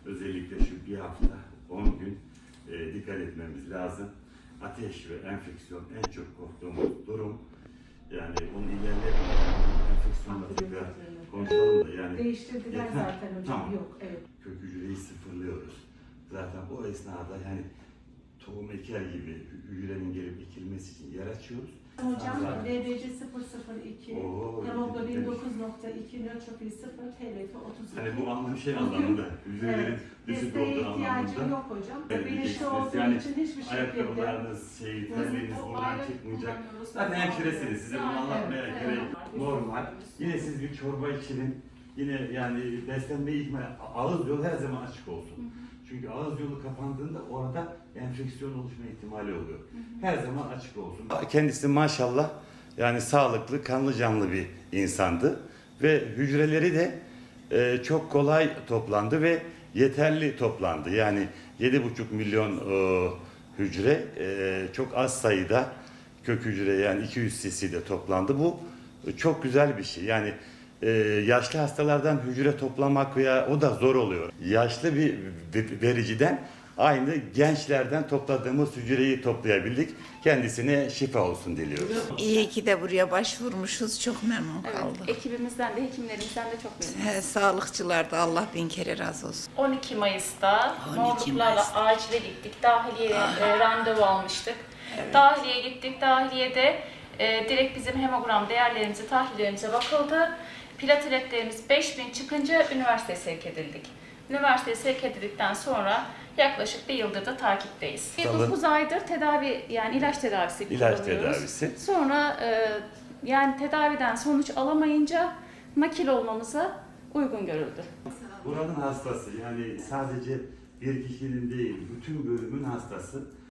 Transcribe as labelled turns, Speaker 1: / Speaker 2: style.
Speaker 1: özellikle şu bir hafta 10 gün dikkat etmemiz lazım. Ateş ve enfeksiyon en çok korktuğumuz durum. Yani onu ilerletmeden enfeksiyonla tekrar konuşalım da yani.
Speaker 2: Değiştirdiler zaten hocam.
Speaker 1: Tamam.
Speaker 2: Yok, evet.
Speaker 1: Kök hücreyi sıfırlıyoruz. Zaten o esnada yani tohum eker gibi hücrenin gelip ekilmesi için yer açıyoruz.
Speaker 2: Hocam
Speaker 1: Zaten-
Speaker 2: LBC 002,
Speaker 1: Oo,
Speaker 2: hemoglobin
Speaker 1: evet.
Speaker 2: 9.2, nötrofil 0, TLF 32.
Speaker 1: Hani bu anlam şey anlamında, hücrelerin düşük
Speaker 2: Desteğe
Speaker 1: olduğu
Speaker 2: ihtiyacım
Speaker 1: anlamında.
Speaker 2: yok hocam.
Speaker 1: Evet,
Speaker 2: Bilinçli
Speaker 1: diyeceksiniz.
Speaker 2: olduğu
Speaker 1: Yani
Speaker 2: için hiçbir şekilde.
Speaker 1: ayakkabılarınız, terliğiniz
Speaker 3: O
Speaker 1: buradan
Speaker 3: ayrı
Speaker 1: çıkmayacak.
Speaker 3: kullanıyoruz.
Speaker 1: Zaten hemşiresiniz, size bunu
Speaker 3: Yani,
Speaker 1: anlatmaya
Speaker 3: evet,
Speaker 1: gerek
Speaker 3: evet.
Speaker 1: yok. Normal. Yine siz bir çorba için, yine yani beslenmeyi ihmal, ağız yolu her zaman açık olsun. Çünkü ağız yolu kapandığında orada enfeksiyon oluşma ihtimali oluyor. Her zaman açık olsun. Kendisi maşallah yani sağlıklı, kanlı canlı bir insandı. Ve hücreleri de çok kolay toplandı ve yeterli toplandı. Yani 7,5 milyon hücre çok az sayıda kök hücre yani 200 cc'de toplandı. Bu çok güzel bir şey. Yani yaşlı hastalardan hücre toplamak veya o da zor oluyor. Yaşlı bir vericiden aynı gençlerden topladığımız hücreyi toplayabildik. Kendisine şifa olsun diliyoruz.
Speaker 4: İyi ki de buraya başvurmuşuz. Çok memnun kaldık.
Speaker 3: Evet, ekibimizden de hekimlerimizden de çok memnunuz.
Speaker 4: Sağlıkçılar da Allah bin kere razı olsun.
Speaker 3: 12 Mayıs'ta
Speaker 4: 12
Speaker 3: morluklarla
Speaker 4: Mayıs'ta.
Speaker 3: acile gittik. Dahiliye randevu almıştık. Dahiliye gittik. Dahiliyede direkt bizim hemogram değerlerimize, tahlillerimize bakıldı. Plateletlerimiz 5000 çıkınca üniversiteye sevk edildik. Üniversiteye sevk edildikten sonra yaklaşık bir yıldır da takipteyiz.
Speaker 1: Tamam.
Speaker 3: 9 aydır tedavi, yani ilaç tedavisi
Speaker 1: İlaç
Speaker 3: kullanıyoruz.
Speaker 1: tedavisi.
Speaker 3: Sonra yani tedaviden sonuç alamayınca nakil olmamıza uygun görüldü.
Speaker 1: Buranın hastası yani sadece bir kişinin değil bütün bölümün hastası.